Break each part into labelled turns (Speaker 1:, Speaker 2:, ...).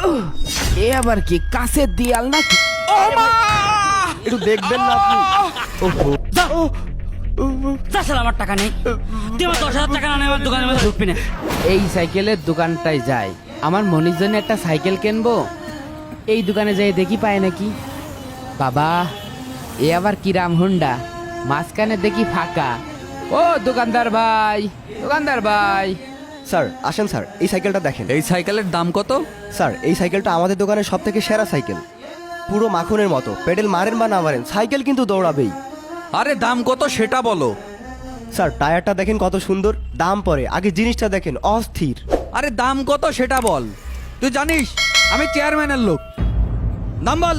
Speaker 1: এ আবার কি কাছের দিয়াল নাকি?
Speaker 2: একটু দেখবেন না আপনি? ওহো,
Speaker 3: তাছাড়া আমার টাকা নেই, তুই আমার 10,000 টাকা না নিয়ে আমার দোকানের মধ্যে ঢুকবি না।
Speaker 1: এই সাইকেলের দোকানটায় যাই, আমার মনির জন্য একটা সাইকেল কিনবো। এই দোকানে যাই দেখি পায় নাকি। বাবা, এ আবার কিরাম হুন্ডা, মাঝখানে দেখি ফাঁকা। ও দোকানদার ভাই, দোকানদার ভাই।
Speaker 2: স্যার আসেন স্যার, এই সাইকেলটা দেখেন।
Speaker 4: এই সাইকেলের দাম কত?
Speaker 2: স্যার এই সাইকেলটা আমাদের দোকানের সব থেকে সেরা সাইকেল, পুরো মাখনের মতো। পেডেল মারেন বা না মারেন, সাইকেল কিন্তু দৌড়াবেই।
Speaker 4: আরে দাম কত সেটা বলো।
Speaker 2: স্যার টায়ারটা দেখেন কত সুন্দর, দাম পরে, আগে জিনিসটা দেখেন অস্থির।
Speaker 4: আরে দাম কত সেটা বল। তুই জানিস আমি চেয়ারম্যানের লোক, দাম বল।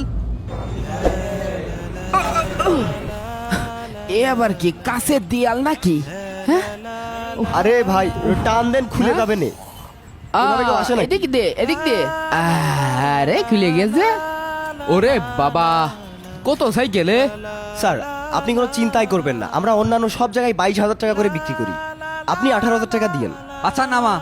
Speaker 1: এ আবার কি কাছের দিয়াল নাকি? হ্যাঁ,
Speaker 2: আরে ভাই টান দেন, খুলে যাবে নে। এভাবে কেউ আসে নাকি?
Speaker 1: এদিক দে, এদিক দে। আরে খুলে গেছে। ওরে বাবা, কত সাইকেলে?
Speaker 2: স্যার আপনি কোনো চিন্তাই করবেন না, আমরা অন্যান্য সব জায়গায় 22,000 টাকা করে বিক্রি করি, আপনি 18,000 টাকা দিয়েন।
Speaker 4: আচ্ছা নামা।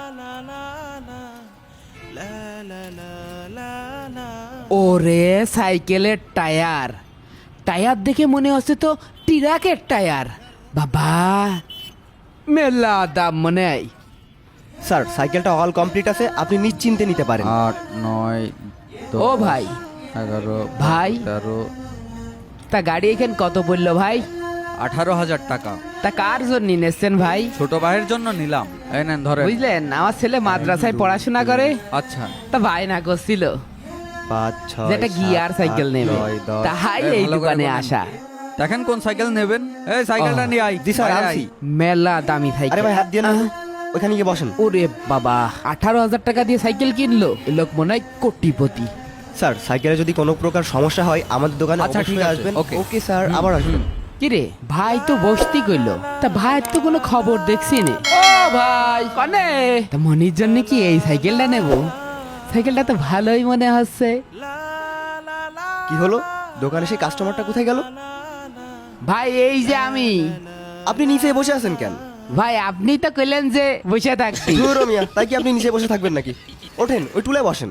Speaker 1: ওরে সাইকেলের টায়ার, টায়ার দেখে মনে হচ্ছে তো ট্রাকের টায়ার। বাবা, মেলা দাম মনে হয়।
Speaker 2: স্যার সাইকেলটা অল কমপ্লিট আছে, আপনি নিশ্চিন্তে নিতে পারেন।
Speaker 4: 8, 9,
Speaker 1: ও ভাই,
Speaker 4: 11,
Speaker 1: ভাই।
Speaker 4: 13,
Speaker 1: তা গাড়ি এখানে কত পড়লো ভাই?
Speaker 4: 18,000 টাকা।
Speaker 1: তা কার জন্য নিয়েছেন ভাই?
Speaker 4: ছোট ভাইয়ের জন্য নিলাম, এই নেন ধরে।
Speaker 1: বুঝলেন, আমার ছেলে মাদ্রাসায় পড়াশোনা করে,
Speaker 4: আচ্ছা
Speaker 1: তা ভাই না করছিল
Speaker 2: 5, 6,
Speaker 1: যেটা গিয়ার সাইকেল নেবে, তাহাই এই
Speaker 4: ভালো করে
Speaker 1: দোকানে
Speaker 4: বলেন।
Speaker 1: আসা।
Speaker 4: দেখেন কোন সাইকেল নেবেন। এই সাইকেলটা
Speaker 1: ও,
Speaker 4: নিয়ে আই।
Speaker 2: জি স্যার
Speaker 4: বাইরে
Speaker 2: আনছি।
Speaker 4: আই।
Speaker 1: মেলা দামি
Speaker 2: আরে
Speaker 1: সাইকেল।
Speaker 2: ভাই হাত দিয়ে না, ওখানে গিয়ে বসেন।
Speaker 1: ওরে বাবা, 18,000 টাকা দিয়ে সাইকেল কিনলো, এ লোক মনে হয় কোটিপতি।
Speaker 2: স্যার সাইকেলে যদি কোনো প্রকার সমস্যা হয় আমাদের দোকানে
Speaker 4: আচ্ছা, ঠিক
Speaker 2: অবশ্যই
Speaker 4: আছে,
Speaker 2: আসবেন।
Speaker 4: ওকে।
Speaker 2: ওকে স্যার, আবার আসবেন।
Speaker 1: কিরে ভাই তো বসতি কইলো, তা ভাইয়ের তো কোনো খবর দেখছি নে। ও ভাই কনে, তা মনির জন্য কি এই সাইকেলটা নেব? সাইকেলটা তো ভালোই মনে হচ্ছে।
Speaker 2: কি হলো, দোকানে সেই কাস্টমারটা কোথায় গেল?
Speaker 1: ভাই এই যে আমি।
Speaker 2: আপনি নিচে বসে আছেন কেন?
Speaker 1: ভাই আপনি তো কইলেন যে বসে থাকছি।
Speaker 2: ধুর মিয়া, তাই কি আপনি নিচে বসে থাকবেন নাকি? ওঠেন, ওই টুলে বসেন।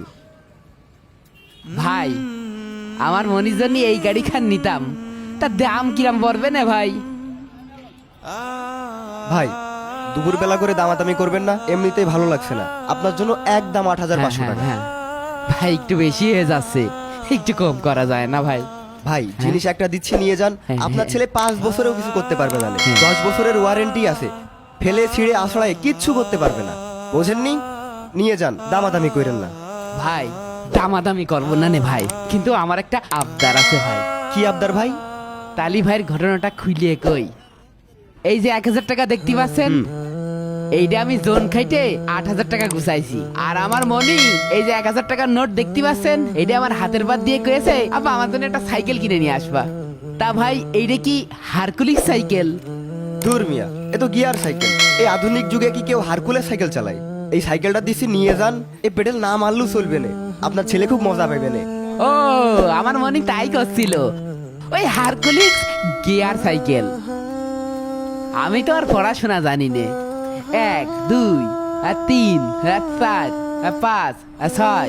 Speaker 1: ভাই আমার মনির জন্য এই গাড়ি খান নিতাম, তার দাম কিরাম পড়বে না ভাই?
Speaker 2: ভাই দুপুর বেলা করে দামাদামি করবেন না, এমনিতেই ভালো লাগছে না। আপনার জন্য একদম 8,500 টাকা।
Speaker 1: হ্যাঁ, ভাই একটু বেশি হয়ে যাচ্ছে, একটু কম করা যায় না ভাই?
Speaker 2: ভাই জিনিস একটা দিচ্ছি, নিয়ে যান।
Speaker 1: হ্যাঁ,
Speaker 2: আপনার
Speaker 1: হ্যাঁ।
Speaker 2: ছেলে 5 বছরেও কিছু করতে পারবে না,
Speaker 1: হ্যাঁ।
Speaker 2: 10 বছরের ওয়ারেন্টি আছে, ফেলে ছিঁড়ে আছড়ায় কিচ্ছু করতে পারবে না। বোঝেননি? নিয়ে যান, দামাদামি করেন না।
Speaker 1: ভাই দামাদামি করবো না নে ভাই, কিন্তু আমার একটা আবদার আছে ভাই।
Speaker 2: কি আবদার ভাই?
Speaker 1: তালি ভাইয়ের ঘটনাটা খুলিয়ে কই। এই যে 1,000 টাকা দেখতে পাচ্ছেন, এইটা আমি জোন খাইতে 8,000 টাকা গুছাইছি। আর আমার মনি এই যে 1,000 টাকার নোট দেখতে পাচ্ছেন, এইটা আমার হাতের বাদ দিয়ে কয়েছে আপা আমার জন্য একটা সাইকেল কিনে নিয়ে আসবা। তা ভাই এইটা কি হারকুলিস সাইকেল?
Speaker 2: দূর মিয়া, এ তো গিয়ার সাইকেল। এই আধুনিক যুগে কি কেউ হারকুলেস সাইকেল চালায়? এই সাইকেলটা দিচ্ছি, নিয়ে যান। এই পেডেল না মারলেও চলবে না, আপনার ছেলে খুব মজা পাবে না।
Speaker 1: ও আমার মনি তাই করছিল, ওই হারকুলিস গিয়ার সাইকেল। আমি তো আর পড়াশোনা জানি নে। 1, 2, 3, 4, 5, 6,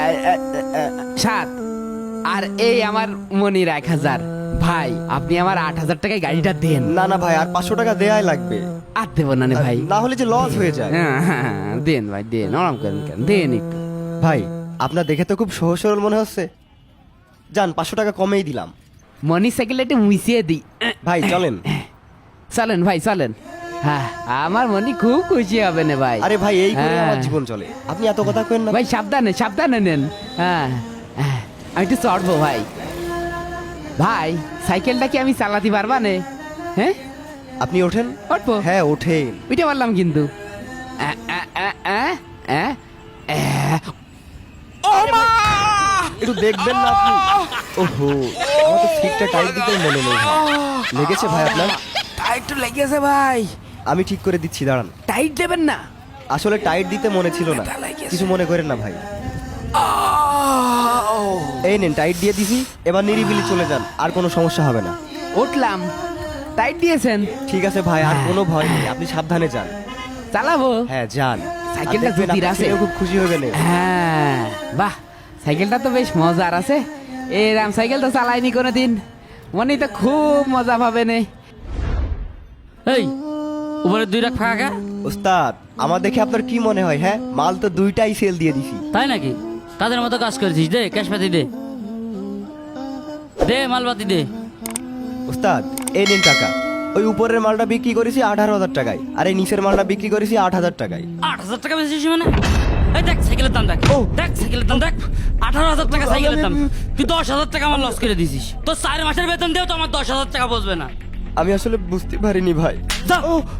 Speaker 1: 7 আর এই আমার মনির 1,000। ভাই আপনি আমার 8,000 টাকায় গাড়িটা দেন।
Speaker 2: না না ভাই, আর 500 টাকা দেয়াই লাগবে,
Speaker 1: আর দেবো না নে ভাই।
Speaker 2: না হলে যে লস হয়ে যায়।
Speaker 1: হ্যাঁ, দেন ভাই দেন, নরম করেন কেন, দেন একটু।
Speaker 2: ভাই আপনার দেখে তো খুব সহজ সরল মনে হচ্ছে, যান 500 টাকা কমেই দিলাম।
Speaker 1: মনির সাইকেলটা একটু মুছিয়ে দিই।
Speaker 2: ভাই চলেন।
Speaker 1: চলেন ভাই চলেন। হ্যাঁ, আমার মনি খুব খুশি হবে না ভাই।
Speaker 2: আরে ভাই এই করে
Speaker 1: হ্যাঁ।
Speaker 2: আমার জীবন চলে, আপনি এত কথা কেন না।
Speaker 1: ভাই সাবধানে সাবধানে নেন। হ্যাঁ, আমি একটু চড়বো ভাই। ভাই সাইকেলটা কি আমি চালাতে পারবা নে? হ্যাঁ
Speaker 2: আপনি ওঠেন।
Speaker 1: উঠবো?
Speaker 2: হ্যাঁ ওঠেন।
Speaker 1: উঠে পারলাম কিন্তু।
Speaker 2: একটু দেখবেন না আপনি? ওহো, আমার তো সিটটা টাইট দিতে মনে নেই ভাই। লেগেছে ভাই আপনার?
Speaker 1: টাইট তো লেগেছে ভাই।
Speaker 2: আমি ঠিক করে দিচ্ছি, দাঁড়ান।
Speaker 1: টাইট দেবেন না?
Speaker 2: আসলে টাইট দিতে মনে ছিল না,
Speaker 1: ব্যথা লেগেছে।
Speaker 2: কিছু মনে করেন না ভাই। এই নেন, টাইট দিয়ে দিছি, এবার নিরিবিলি চলে যান, আর কোনো সমস্যা হবে না।
Speaker 1: উঠলাম, টাইট দিয়েছেন?
Speaker 2: ঠিক আছে ভাই, আর কোনো ভয় নেই, আপনি সাবধানে যান।
Speaker 1: চালাবো?
Speaker 2: হ্যাঁ যান।
Speaker 1: সাইকেলটা
Speaker 2: আর দেখবেন
Speaker 1: জুতির
Speaker 2: আপনার
Speaker 1: আছে।
Speaker 2: ছেলেও খুব খুশি হবে না।
Speaker 1: হ্যাঁ, বাহ সাইকেলটা তো বেশ মজার আছে। এরাম সাইকেল তো চালাইনি কোনোদিন, মনে তো খুব মজা পাবে নে।
Speaker 3: এই উপরে 2 লাখ ফাঁকা।
Speaker 2: ওস্তাদ আমার দেখে আপনার কি মনে হয়? হ্যাঁ, মাল তো 2টাই সেল দিয়ে দিছি।
Speaker 3: তাই নাকি? তাদের মতো কাজ করেছিস, দে ক্যাশ পাতি দে, দে মালপাতি দে।
Speaker 2: ওস্তাদ এই নিন টাকা। ওই উপরের মালটা বিক্রি করেছি 18,000 টাকায়, আর এই নিচের মালটা বিক্রি করেছি 8,000 টাকায়।
Speaker 3: 8,000 টাকা বেশি মানে? এই দেখ সাইকেলের দাম দেখ, দেখ সাইকেলের দাম দেখ, 18,000 টাকা সাইকেলের দাম। তুই 10,000 টাকা আমার লস করে দিছিস। তোর 4 মাসের বেতন দিয়েও তো আমার 10,000 টাকা বসবে না।
Speaker 2: আমি আসলে বুঝতে পারিনি ভাই।
Speaker 3: যা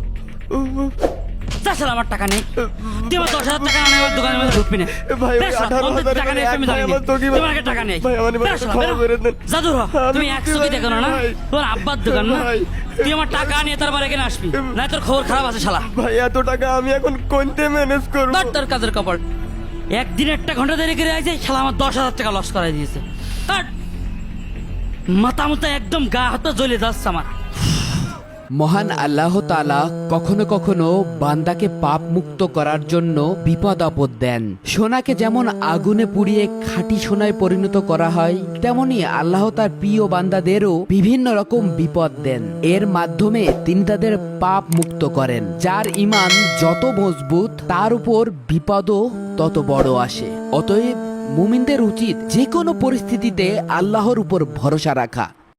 Speaker 3: যা শালা, আমার টাকা নেই। তুই আমার 10,000 টাকা না নেওয়ার দোকানের মধ্যে ঢুকবি না।
Speaker 2: ভাই, ওই
Speaker 3: বেশ,
Speaker 2: 18,000
Speaker 3: টাকা নেই, আমি
Speaker 2: ভাই,
Speaker 3: জানি
Speaker 2: আমার
Speaker 3: না।
Speaker 2: দোকানে-
Speaker 3: তোমার কাছে টাকা নেই।
Speaker 2: ভাই, আমার
Speaker 3: বেশ, শালা,
Speaker 2: ক্ষমা
Speaker 3: বেরো।
Speaker 2: করে দেন।
Speaker 3: যা দূর হ। তুমি
Speaker 2: আমি
Speaker 3: 100 কি দেখো না?
Speaker 2: ভাই।
Speaker 3: তোর আব্বার দোকান না?
Speaker 2: ভাই।
Speaker 3: তুই আমার টাকা নিয়ে তারপর এখানে আসবি, না তোর খবর খারাপ আছে শালা।
Speaker 2: ভাই এত টাকা আমি এখন কোনতে ম্যানেজ করব?
Speaker 3: ধর তোর কাজের কপাল। একদিন একটা ঘন্টা দেরি করে আছে, শালা আমার 10,000 টাকা লস করাই দিয়েছে। ধর। মাথা মুথা একদম গা হাত জ্বলে যাচ্ছে আমার।
Speaker 1: মহান আল্লাহ তাআলা কখনো কখনো বান্দাকে পাপ মুক্ত করার জন্য বিপদ আপদ দেন। সোনাকে যেমন আগুনে পুড়িয়ে খাঁটি সোনায় পরিণত করা হয়, তেমনি আল্লাহ তার প্রিয় বান্দাদেরও বিভিন্ন রকম বিপদ দেন। এর মাধ্যমে তিনি তাদের পাপ মুক্ত করেন। যার ঈমান যত মজবুত, তার উপর বিপদও তত বড় আসে। অতএব মুমিনদের উচিত যে কোনো পরিস্থিতিতে আল্লাহর উপর ভরসা রাখা।